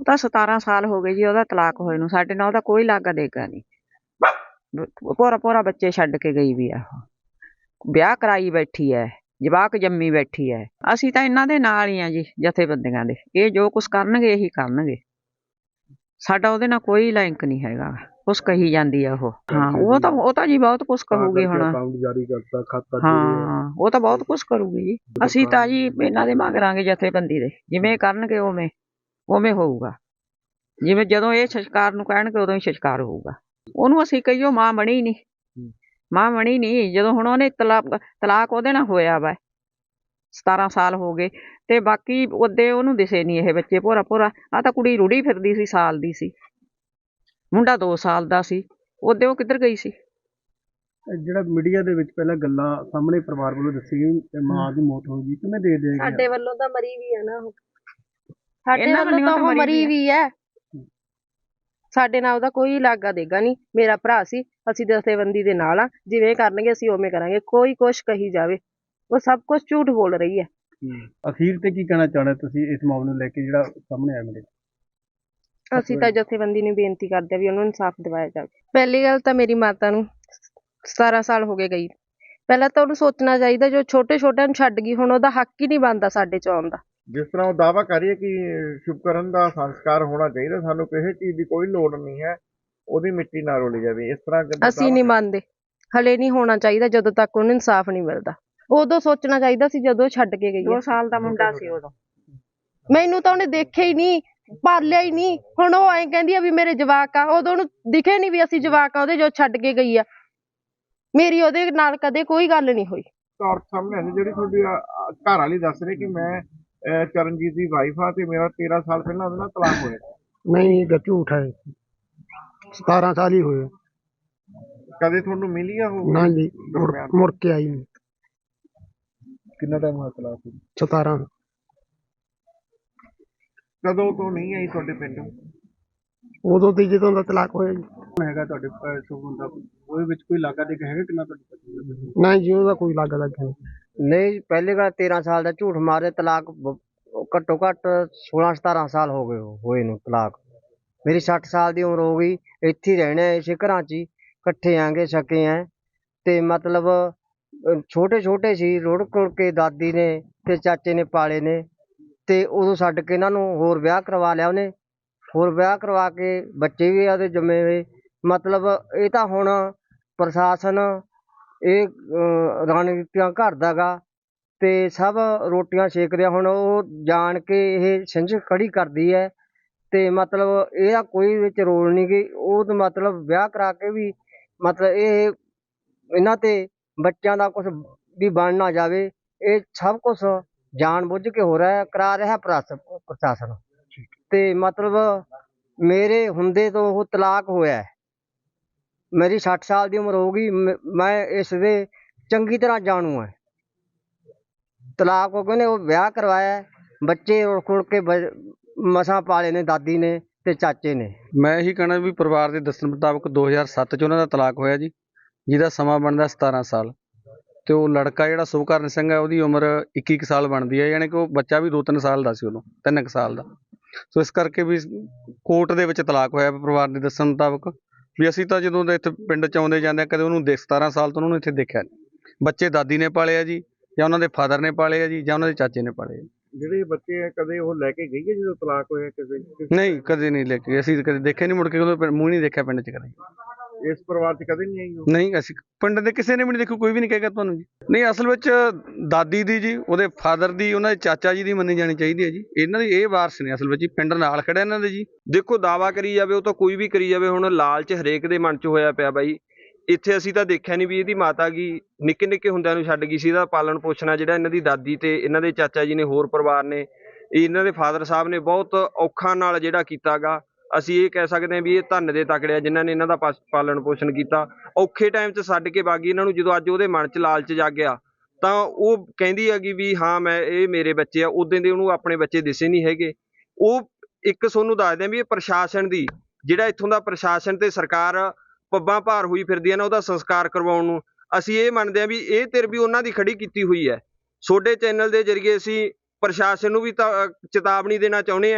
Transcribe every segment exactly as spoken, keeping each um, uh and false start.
ਤਾਂ ਸਤਾਰਾਂ ਸਾਲ ਹੋ ਗਏ ਜੀ ਉਹਦਾ ਤਲਾਕ ਹੋਏ ਨੂੰ। ਸਾਡੇ ਨਾਲ ਉਹਦਾ ਕੋਈ ਲਾਗਾ ਦੇਗਾ ਨਹੀਂ। ਭੋਰਾ ਭੋਰਾ ਬੱਚੇ ਛੱਡ ਕੇ ਗਈ ਵੀ ਆ ਉਹ। ਵਿਆਹ ਕਰਾਈ ਬੈਠੀ ਐ, ਜਵਾਕ ਜੰਮੀ ਬੈਠੀ ਐ। ਅਸੀਂ ਤਾਂ ਇਹਨਾਂ ਦੇ ਨਾਲ ਹੀ ਆ ਜੀ, ਜਥੇਬੰਦੀਆਂ ਦੇ। ਇਹ ਜੋ ਕੁਛ ਕਰਨਗੇ ਇਹੀ ਕਰਨਗੇ। ਸਾਡਾ ਉਹਦੇ ਨਾਲ ਕੋਈ ਲਿੰਕ ਨਹੀਂ ਹੈਗਾ। ਕੁਛ ਕਹੀ ਜਾਂਦੀ ਆ ਉਹ। ਹਾਂ ਉਹ ਤਾਂ ਉਹ ਤਾਂ ਜੀ ਬਹੁਤ ਕੁਛ ਕਹੂਗੀ ਹੁਣ। ਹਾਂ ਉਹ ਤਾਂ ਬਹੁਤ ਕੁਛ ਕਰੂਗੀ ਜੀ। ਅਸੀਂ ਤਾਂ ਜੀ ਇਹਨਾਂ ਦੇ ਮੰਗਾਂਗੇ ਜਥੇਬੰਦੀ ਦੇ। ਜਿਵੇਂ ਕਰਨਗੇ ਉਵੇਂ ਉਵੇਂ ਹੋਊਗਾ। ਜਿਵੇਂ ਜਦੋਂ ਇਹ ਸੰਸਕਾਰ ਨੂੰ ਕਹਿਣਗੇ ਉਦੋਂ ਹੀ ਸੰਸਕਾਰ ਹੋਊਗਾ। ਉਹਨੂੰ ਅਸੀਂ ਕਹੀਓ ਮਾਂ ਬਣੀ ਨੀ, ਮਾਂ ਬਣੀ ਨੀ। ਜਦੋਂ ਹੁਣ ਉਹਨੇ ਤਲਾਕ ਤਲਾਕ ਉਹਦੇ ਨਾਲ ਹੋਇਆ ਵਾ, ਸਤਾਰਾਂ ਸਾਲ ਹੋ ਗਏ ਤੇ ਬਾਕੀ ਉਹਦੇ ਉਹਨੂੰ ਦਿਸੇ ਨੀ ਇਹ ਬੱਚੇ। ਭੋਰਾ ਭੋਰਾ ਆਹ ਤਾਂ ਕੁੜੀ ਰੁੜੀ ਫਿਰਦੀ ਸੀ, ਸਾਲ ਦੀ ਸੀ। ਮੁੰਡਾ ਦੋ ਸਾਲ ਦਾ ਸੀ। ਉਹਦੇ ਉਹ ਕਿੱਧਰ ਗਈ ਸੀ? ਜਿਹੜਾ ਮੀਡੀਆ ਦੇ ਵਿੱਚ ਪਹਿਲਾਂ ਗੱਲਾਂ ਸਾਹਮਣੇ ਪਰਿਵਾਰ ਵੱਲੋਂ ਦੱਸੀ ਗਈ ਮਾਂ ਦੀ ਮੌਤ ਹੋ ਗਈ, ਕਿਵੇਂ ਦੇ ਦੇਗੇ? ਸਾਡੇ ਵੱਲੋਂ ਤਾਂ ਮਰੀ ਵੀ ਹੈ ਨਾ ਉਹ। ਸਾਡੇ ਵੱਲੋਂ ਤਾਂ ਉਹ ਮਰੀ ਵੀ ਹੈ। ਸਾਡੇ ਨਾਲ ਉਹਦਾ ਕੋਈ ਲਾਗਾ ਦੇਗਾ ਨਹੀਂ। ਮੇਰਾ ਭਰਾ ਸੀ, ਅਸੀਂ ਜਥੇਬੰਦੀ ਦੇ ਨਾਲ ਆ। ਜਿਵੇਂ ਕਰਨਗੇ ਅਸੀਂ ਉਵੇਂ ਕਰਾਂਗੇ। ਕੋਈ ਕੁਛ ਕਹੀ ਜਾਵੇ, ਉਹ ਸਭ ਕੁਛ ਝੂਠ ਬੋਲ ਰਹੀ ਹੈ। ਅਖੀਰ ਤੇ ਕੀ ਕਹਿਣਾ ਚਾਹੁੰਦੇ ਤੁਸੀਂ ਇਸ ਮਾਮਲੇ ਨੂੰ ਲੈ ਕੇ ਜਿਹੜਾ ਸਾਹਮਣੇ ਆਇਆ ਮੇਰੇ? ਅਸੀਂ ਤਾਂ ਜਥੇਬੰਦੀ ਨੂੰ ਬੇਨਤੀ ਕਰਦੇ ਆ ਵੀ ਉਹਨੂੰ ਇਨਸਾਫ ਦਿਵਾਇਆ ਜਾਵੇ। ਪਹਿਲੀ ਗੱਲ ਤਾਂ ਮੇਰੀ ਮਾਤਾ ਨੂੰ ਸਤਾਰਾਂ ਸਾਲ ਹੋ ਗਏ ਗਈ। ਪਹਿਲਾਂ ਤਾਂ ਉਹਨੂੰ ਸੋਚਣਾ ਚਾਹੀਦਾ, ਜੋ ਛੋਟੇ ਛੋਟਿਆਂ ਨੂੰ ਛੱਡ ਗਈ, ਹੁਣ ਉਹਦਾ ਹੱਕ ਹੀ ਨਹੀਂ ਬਣਦਾ ਸਾਡੇ ਚ ਆਉਣ ਦਾ। ਜਿਸ ਤਰ੍ਹਾਂ ਉਹ ਦਾਅਵਾ ਕਰ ਰਹੀ ਹੈ ਕਿ ਸ਼ੁਭਕਰਨ ਦਾ ਸੰਸਕਾਰ ਹੋਣਾ ਚਾਹੀਦਾ, ਸਾਨੂੰ ਕਿਸੇ ਚੀਜ਼ ਦੀ ਕੋਈ ਲੋੜ ਨਹੀਂ ਹੈ, ਉਹਦੀ ਮਿੱਟੀ ਨਾ ਰੋਲੀ ਜਾਵੇ, ਇਸ ਤਰ੍ਹਾਂ ਅਸੀਂ ਨਹੀਂ ਮੰਨਦੇ। ਹਲੇ ਨਹੀਂ ਹੋਣਾ ਚਾਹੀਦਾ ਜਦੋਂ ਤੱਕ ਉਹਨੂੰ ਇਨਸਾਫ ਨਹੀਂ ਮਿਲਦਾ। ਉਦੋਂ ਸੋਚਣਾ ਚਾਹੀਦਾ ਸੀ ਜਦੋਂ ਛੱਡ ਕੇ ਗਈ। ਦੋ ਸਾਲ ਦਾ ਮੁੰਡਾ ਸੀ ਉਦੋਂ। ਮੈਨੂੰ ਤਾਂ ਉਹਨੇ ਦੇਖਿਆ ਹੀ ਨਹੀਂ, ਪਾਲਿਆ ਹੀ ਨਹੀਂ। ਹੁਣ ਉਹ ਐਂ ਕਹਿੰਦੀ ਆ ਵੀ ਮੇਰੇ ਜਵਾਕ ਆ। ਉਦੋਂ ਉਹਨੂੰ ਦਿਖੇ ਨਹੀਂ ਵੀ ਅਸੀਂ ਜਵਾਕ ਆ ਉਹਦੇ, ਜੋ ਛੱਡ ਕੇ ਗਈ ਆ। ਮੇਰੀ ਉਹਦੇ ਨਾਲ ਕਦੇ ਕੋਈ ਗੱਲ ਨਹੀਂ ਹੋਈ। ਤੌਰ ਸਾਹਮਣੇ ਆਈ ਜਿਹੜੀ ਤੁਹਾਡੀ ਘਰ ਵਾਲੀ ਦੱਸ ਰਹੀ ਕਿ ਮੈਂ ਚਰਨਜੀਤ ਦੀ ਵਾਈਫ ਆ ਤੇ ਮੇਰਾ ਤੇਰਾਂ ਸਾਲ ਪਹਿਲਾਂ ਉਹਦੇ ਨਾਲ ਤਲਾਕ ਹੋਇਆ। ਨਹੀਂ, ਇਹ ਝੂਠ ਹੈ। ਸਤਾਰਾਂ ਸਾਲ ਹੀ ਹੋਏ। ਕਦੇ ਤੁਹਾਨੂੰ ਮਿਲੀ ਆ ਉਹ? ਨਾ ਜੀ, ਮੁੜ ਕੇ ਆਈ ਨਹੀਂ। ਕਿੰਨਾ ਟਾਈਮ ਹੋਇਆ ਤਲਾਕ ਹੋਏ? ਸਤਾਰਾਂ। ਕਦੋਂ ਤੋਂ ਨਹੀਂ ਆਈ ਤੁਹਾਡੇ ਪਿੰਡ? ਉਦੋਂ ਤੇ ਜਦੋਂ ਦਾ ਤਲਾਕ ਹੋਇਆ ਜੀ। ਹੈਗਾ ਤੁਹਾਡੇ ਦਾ ਉਹਦੇ ਵਿੱਚ ਕੋਈ ਲਾਗਾ ਦੇ ਹੈਗਾ ਕਿੰਨਾ ਤੁਹਾਡੇ? ਨਹੀਂ ਜੀ, ਉਹਦਾ ਕੋਈ ਲਾਗਾ ਦਾ ਨਹੀਂ। ਪਹਿਲੇ ਗੱਲ ਤੇਰਾਂ ਸਾਲ ਦਾ ਝੂਠ ਮਾਰੇ। ਤਲਾਕ ਘੱਟੋ ਘੱਟ ਸੋਲਾਂ ਸਤਾਰਾਂ ਸਾਲ ਹੋ ਗਏ ਹੋਏ ਨੂੰ ਤਲਾਕ। ਮੇਰੀ ਸੱਠ ਸਾਲ ਦੀ ਉਮਰ ਹੋ ਗਈ। ਇੱਥੇ ਹੀ ਰਹਿਣਾ, ਇਸੇ ਘਰਾਂ 'ਚ ਹੀ ਇਕੱਠੇ ਆਂਗੇ ਸਕੇ ਐ। ਤੇ ਮਤਲਬ ਛੋਟੇ ਛੋਟੇ ਸੀ, ਰੁੜ ਕੁੜ ਕੇ ਦਾਦੀ ਨੇ ਤੇ ਚਾਚੇ ਨੇ ਪਾਲੇ ਨੇ। ਤੇ ਉਦੋਂ ਛੱਡ ਕੇ ਇਹਨਾਂ ਨੂੰ ਹੋਰ ਵਿਆਹ ਕਰਵਾ ਲਿਆ ਉਹਨੇ। ਹੋਰ ਵਿਆਹ ਕਰਵਾ ਕੇ ਬੱਚੇ ਵੀ ਉਹਦੇ ਜੰਮੇ ਹੋਏ। ਮਤਲਬ ਇਹ ਤਾਂ ਹੁਣ ਪ੍ਰਸ਼ਾਸਨ ਇਹ ਰਣਨੀਤੀਆਂ ਘੜਦਾ ਗਾ ਤੇ ਸਭ ਰੋਟੀਆਂ ਸੇਕ ਰਿਹਾ। ਹੁਣ ਉਹ ਜਾਣ ਕੇ ਇਹ ਸਿੰਝ ਖੜੀ ਕਰਦੀ ਹੈ ਤੇ ਮਤਲਬ ਇਹਦਾ ਕੋਈ ਵਿੱਚ ਰੋਲ ਨਹੀਂ ਗੀ। ਉਹ ਤਾਂ ਮਤਲਬ ਵਿਆਹ ਕਰਾ ਕੇ ਵੀ ਮਤਲਬ ਇਹ ਇਹਨਾਂ ਤੇ ਬੱਚਿਆਂ ਦਾ ਕੁਛ ਵੀ ਬਣ ਨਾ ਜਾਵੇ। ਇਹ ਸਭ ਕੁਛ ਜਾਣ ਬੁੱਝ ਕੇ ਹੋ ਰਿਹਾ ਕਰਾ ਰਿਹਾ ਪ੍ਰਸ਼ਾਸਨ। ਤੇ ਮਤਲਬ ਮੇਰੇ ਹੁੰਦੇ ਤੋਂ ਉਹ ਤਲਾਕ ਹੋਇਆ। ਮੇਰੀ ਸੱਠ ਸਾਲ ਦੀ ਉਮਰ ਹੋ ਗਈ। ਮੈਂ ਇਸ ਦੇ ਚੰਗੀ ਤਰ੍ਹਾਂ ਜਾਣੂ ਹੈ। ਤਲਾਕ ਹੋ ਗਏ ਨੇ, ਉਹ ਵਿਆਹ ਕਰਵਾਇਆ, ਬੱਚੇ ਰੁੜ ਖੁੜ ਕੇ ਮਸਾਂ ਪਾਲੇ ਨੇ ਦਾਦੀ ਨੇ ਤੇ ਚਾਚੇ ਨੇ। ਮੈਂ ਇਹੀ ਕਹਿਣਾ ਵੀ ਪਰਿਵਾਰ ਦੇ ਦੱਸਣ ਮੁਤਾਬਕ ਦੋ ਹਜ਼ਾਰ ਸੱਤ 'ਚ ਉਹਨਾਂ ਦਾ ਤਲਾਕ ਹੋਇਆ ਜੀ, ਜਿਹਦਾ ਸਮਾਂ ਬਣਦਾ ਸਤਾਰਾਂ ਸਾਲ। ਤੇ ਉਹ ਲੜਕਾ ਜਿਹੜਾ ਸੁਭਕਰਨ ਸਿੰਘ ਹੈ, ਉਹਦੀ ਉਮਰ ਇੱਕੀ ਕੁ ਸਾਲ ਬਣਦੀ ਹੈ। ਯਾਨੀ ਕਿ ਉਹ ਬੱਚਾ ਵੀ ਦੋ ਤਿੰਨ ਸਾਲ ਦਾ ਸੀ ਉਦੋਂ, ਤਿੰਨ ਕੁ ਸਾਲ ਦਾ। ਸੋ ਇਸ ਕਰਕੇ ਵੀ ਕੋਰਟ ਦੇ ਵਿੱਚ ਤਲਾਕ ਹੋਇਆ ਪਰਿਵਾਰ ਦੇ ਦੱਸਣ ਮੁਤਾਬਕ। ਵੀ ਅਸੀਂ ਤਾਂ ਜਦੋਂ ਦੇ ਇੱਥੇ ਪਿੰਡ 'ਚ ਆਉਂਦੇ ਜਾਂਦੇ ਕਦੇ ਉਹਨੂੰ ਦੇਖ ਸਤਾਰਾਂ ਸਾਲ ਤੋਂ ਉਹਨੂੰ ਇੱਥੇ ਦੇਖਿਆ ਨਹੀਂ। ਬੱਚੇ ਦਾਦੀ ਨੇ ਪਾਲੇ ਆ ਜੀ, ਜਾਂ ਉਹਨਾਂ ਦੇ ਫਾਦਰ ਨੇ ਪਾਲੇ ਆ ਜੀ, ਜਾਂ ਉਹਨਾਂ ਦੇ ਚਾਚੇ ਨੇ ਪਾਲੇ ਆ। ਜਿਹੜੇ ਬੱਚੇ ਆ ਕਦੇ ਉਹ ਲੈ ਕੇ ਗਈ ਹੈ ਜਦੋਂ ਤਲਾਕ ਹੋਇਆ ਕਿਸੇ? ਨਹੀਂ, ਕਦੇ ਨਹੀਂ ਲੈ ਕੇ। ਅਸੀਂ ਕਦੇ ਦੇਖਿਆ ਨਹੀਂ, ਮੁੜ ਕੇ ਉਹਦਾ ਮੂੰਹ ਨਹੀਂ ਦੇਖਿਆ ਪਿੰਡ 'ਚ ਕਦੇ। ਇਸ ਪਰਿਵਾਰ 'ਚ ਕਦੇ ਨਹੀਂ ਆਈ? ਨਹੀਂ, ਅਸੀਂ ਪਿੰਡ ਦੇ ਕਿਸੇ ਨੇ ਵੀ ਨਹੀਂ ਦੇਖੋ, ਕੋਈ ਵੀ ਨਹੀਂ ਕਹੇਗਾ ਤੁਹਾਨੂੰ ਜੀ। ਨਹੀਂ, ਅਸਲ ਵਿੱਚ ਦਾਦੀ ਦੀ ਜੀ, ਉਹਦੇ ਫਾਦਰ ਦੀ, ਉਹਨਾਂ ਦੇ ਚਾਚਾ ਜੀ ਦੀ ਮੰਨੀ ਜਾਣੀ ਚਾਹੀਦੀ ਹੈ ਜੀ। ਇਹਨਾਂ ਦੀ ਇਹ ਵਾਰਸ ਨੇ ਅਸਲ ਵਿੱਚ, ਪਿੰਡ ਨਾਲ ਖੜਿਆ ਇਹਨਾਂ ਦੇ ਜੀ। ਦੇਖੋ ਦਾਵਾ ਕਰੀ ਜਾਵੇ ਉਹ ਤਾਂ ਕੋਈ ਵੀ ਕਰੀ ਜਾਵੇ, ਹੁਣ ਲਾਲਚ ਹਰੇਕ ਦੇ ਮਨ 'ਚ ਹੋਇਆ ਪਿਆ ਬਾਈ। ਇੱਥੇ ਅਸੀਂ ਤਾਂ ਦੇਖਿਆ ਨਹੀਂ ਵੀ ਇਹਦੀ ਮਾਤਾ ਗੀ ਨਿੱਕੇ ਨਿੱਕੇ ਹੁੰਦਿਆਂ ਨੂੰ ਛੱਡ ਗਈ ਸੀ। ਇਹਦਾ ਪਾਲਣ ਪੋਸ਼ਣ ਜਿਹੜਾ ਇਹਨਾਂ ਦੀ ਦਾਦੀ ਤੇ ਇਹਨਾਂ ਦੇ ਚਾਚਾ ਜੀ ਨੇ, ਹੋਰ ਪਰਿਵਾਰ ਨੇ, ਇਹਨਾਂ ਦੇ ਫਾਦਰ ਸਾਹਿਬ ਨੇ ਬਹੁਤ ਔਖਾ ਨਾਲ ਜਿਹੜਾ ਕੀਤਾ ਗਾ। ਅਸੀਂ ਇਹ ਕਹਿ ਸਕਦੇ ਹਾਂ ਵੀ ਇਹ ਧੰਨ ਦੇ ਤਕੜੇ ਆ ਜਿਨ੍ਹਾਂ ਨੇ ਇਹਨਾਂ ਦਾ ਪਾਲਣ ਪੋਸ਼ਣ ਕੀਤਾ। ਔਖੇ ਟਾਈਮ 'ਚ ਛੱਡ ਕੇ ਬਾਗੀ ਇਹਨਾਂ ਨੂੰ। ਜਦੋਂ ਅੱਜ ਉਹਦੇ ਮਨ 'ਚ ਲਾਲਚ ਜਾਗਿਆ ਤਾਂ ਉਹ ਕਹਿੰਦੀ ਹੈਗੀ ਵੀ ਹਾਂ ਮੈਂ ਇਹ ਮੇਰੇ ਬੱਚੇ ਆ। ਉਦੋਂ ਦੇ ਉਹਨੂੰ ਆਪਣੇ ਬੱਚੇ ਦਿਸੇ ਨਹੀਂ ਹੈਗੇ। ਉਹ ਇੱਕ ਤੁਹਾਨੂੰ ਦੱਸਦੇ ਆ ਵੀ ਇਹ ਪ੍ਰਸ਼ਾਸਨ ਦੀ, ਜਿਹੜਾ ਇੱਥੋਂ ਦਾ ਪ੍ਰਸ਼ਾਸਨ ਤੇ ਸਰਕਾਰ ਪੱਬਾਂ ਭਾਰ ਹੋਈ ਫਿਰਦੀ ਹੈ ਨਾ ਉਹਦਾ ਸੰਸਕਾਰ ਕਰਵਾਉਣ ਨੂੰ। ਅਸੀਂ ਇਹ ਮੰਨਦੇ ਹਾਂ ਵੀ ਇਹ ਧਿਰ ਵੀ ਉਹਨਾਂ ਦੀ ਖੜੀ ਕੀਤੀ ਹੋਈ ਹੈ। ਤੁਹਾਡੇ ਚੈਨਲ ਦੇ ਜ਼ਰੀਏ ਅਸੀਂ ਪ੍ਰਸ਼ਾਸਨ ਨੂੰ ਵੀ ਤਾਂ ਚੇਤਾਵਨੀ ਦੇਣਾ ਚਾਹੁੰਦੇ ਹਾਂ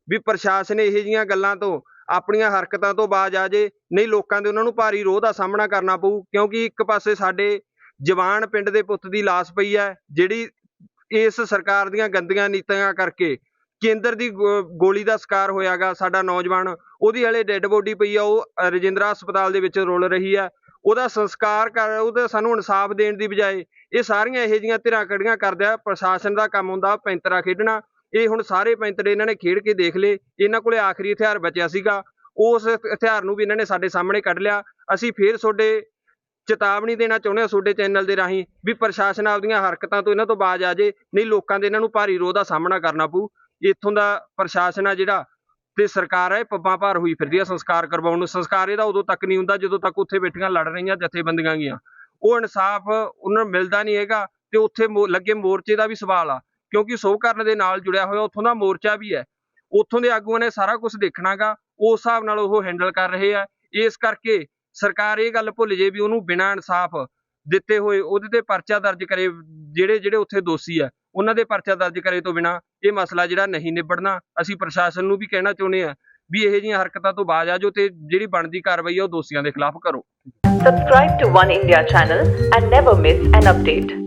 ਵੀ ਪ੍ਰਸ਼ਾਸਨ ਇਹੋ ਜਿਹੀਆਂ ਗੱਲਾਂ ਤੋਂ ਆਪਣੀਆਂ ਹਰਕਤਾਂ ਤੋਂ ਬਾਜ਼ ਆ ਜੇ, ਨਹੀਂ ਲੋਕਾਂ ਦੇ ਉਹਨਾਂ ਨੂੰ ਭਾਰੀ ਰੋਹ ਦਾ ਸਾਹਮਣਾ ਕਰਨਾ ਪਊ। ਕਿਉਂਕਿ ਇੱਕ ਪਾਸੇ ਸਾਡੇ ਜਵਾਨ ਪਿੰਡ ਦੇ ਪੁੱਤ ਦੀ ਲਾਸ਼ ਪਈ ਹੈ, ਜਿਹੜੀ ਇਸ ਸਰਕਾਰ ਦੀਆਂ ਗੰਦੀਆਂ ਨੀਤੀਆਂ ਕਰਕੇ ਕੇਂਦਰ ਦੀ ਗੋ- ਗੋਲੀ ਦਾ ਸ਼ਿਕਾਰ ਹੋਇਆਗਾ। ਸਾਡਾ ਨੌਜਵਾਨ, ਉਹਦੀ ਹਲੇ ਡੈੱਡ ਬੋਡੀ ਪਈ ਆ, ਉਹ ਅ, ਰਜਿੰਦਰਾ ਹਸਪਤਾਲ ਦੇ ਵਿੱਚ ਰੁਲ ਰਹੀ ਹੈ। ਉਹਦਾ ਸੰਸਕਾਰ ਕਰ, ਉਹਦਾ ਸਾਨੂੰ ਇਨਸਾਫ ਦੇਣ ਦੀ ਬਜਾਏ ਇਹ ਸਾਰੀਆਂ ਇਹੋ ਜਿਹੀਆਂ ਧਿਰਾਂ ਖੜੀਆਂ ਕਰਦਾ। ਪ੍ਰਸ਼ਾਸਨ ਦਾ ਕੰਮ ਹੁੰਦਾ ਪੈਂਤਰਾ ਖੇਡਣਾ। ਇਹ ਹੁਣ ਸਾਰੇ ਪੈਂਤਰੇ ਇਹਨਾਂ ਨੇ ਖੇਡ ਕੇ ਦੇਖ ਲਏ। ਇਹਨਾਂ ਕੋਲੇ ਆਖਰੀ ਹਥਿਆਰ ਬਚਿਆ ਸੀਗਾ, ਉਸ ਹਥਿਆਰ ਨੂੰ ਵੀ ਇਹਨਾਂ ਨੇ ਸਾਡੇ ਸਾਹਮਣੇ ਕੱਢ ਲਿਆ। ਅਸੀਂ ਫੇਰ ਤੁਹਾਡੇ ਚੇਤਾਵਨੀ ਦੇਣਾ ਚਾਹੁੰਦੇ ਹਾਂ ਤੁਹਾਡੇ ਚੈਨਲ ਦੇ ਰਾਹੀਂ ਵੀ ਪ੍ਰਸ਼ਾਸਨ ਆਪਦੀਆਂ ਹਰਕਤਾਂ ਤੋਂ ਇਹਨਾਂ ਤੋਂ ਬਾਜ਼ ਆ ਜੇ, ਨਹੀਂ ਲੋਕਾਂ ਦੇ ਇਹਨਾਂ ਨੂੰ ਭਾਰੀ ਰੋਹ ਦਾ ਸਾਹਮਣਾ ਕਰਨਾ ਪਊ। ਇੱਥੋਂ ਦਾ ਪ੍ਰਸ਼ਾਸਨ ਆ ਜਿਹੜਾ ਤੇ ਸਰਕਾਰ ਹੈ, ਪੱਬਾਂ ਭਾਰ ਹੋਈ ਫਿਰਦੀ ਆ ਸੰਸਕਾਰ ਕਰਵਾਉਣ ਨੂੰ। ਸੰਸਕਾਰ ਇਹਦਾ ਉਦੋਂ ਤੱਕ ਨਹੀਂ ਹੁੰਦਾ ਜਦੋਂ ਤੱਕ ਉੱਥੇ ਬੈਠੀਆਂ ਲੜ ਰਹੀਆਂ ਜਥੇਬੰਦੀਆਂ ਗੀਆਂ ਉਹ ਇਨਸਾਫ ਉਹਨਾਂ ਨੂੰ ਮਿਲਦਾ ਨਹੀਂ ਹੈਗਾ। ਤੇ ਉੱਥੇ ਮੋ- ਲੱਗੇ ਮੋਰਚੇ ਦਾ ਵੀ ਸਵਾਲ ਆ, ਕਿਉਂਕਿ ਸ਼ੁਭਕਰਨ ਦੇ ਨਾਲ ਜੁੜਿਆ ਹੋਇਆ ਉੱਥੋਂ ਦਾ ਮੋਰਚਾ ਵੀ ਹੈ। ਉੱਥੋਂ ਦੇ ਆਗੂਆਂ ਨੇ ਸਾਰਾ ਕੁਝ ਦੇਖਣਾਗਾ, ਉਸ ਹਿਸਾਬ ਨਾਲ ਉਹ ਹੈਂਡਲ ਕਰ ਰਹੇ ਆ। ਇਸ ਕਰਕੇ ਸਰਕਾਰ ਇਹ ਗੱਲ ਭੁੱਲ ਜੇ ਵੀ ਉਹਨੂੰ ਬਿਨਾਂ ਇਨਸਾਫ ਦਿੱਤੇ ਹੋਏ ਉਹਦੇ ਤੇ ਪਰਚਾ ਦਰਜ ਕਰੇ। ਜਿਹੜੇ ਜਿਹੜੇ ਉੱਥੇ ਦੋਸ਼ੀ ਆ ਉਹਨਾਂ ਦੇ ਪਰਚਾ ਦਰਜ ਕਰੇ ਤੋਂ ਬਿਨਾਂ ਇਹ ਮਸਲਾ ਜਿਹੜਾ ਨਹੀਂ ਨਿਬੜਨਾ। ਅਸੀਂ ਪ੍ਰਸ਼ਾਸਨ ਨੂੰ ਵੀ ਕਹਿਣਾ ਚਾਹੁੰਦੇ ਆ ਵੀ ਇਹੋ ਜਿਹੀਆਂ ਹਰਕਤਾਂ ਤੋਂ ਬਾਜ਼ ਆ ਜਾਓ ਤੇ ਜਿਹੜੀ ਬਣਦੀ ਕਾਰਵਾਈ ਆ ਉਹ ਦੋਸ਼ੀਆਂ ਦੇ ਖਿਲਾਫ ਕਰੋ। Subscribe to One India channel and never miss an update.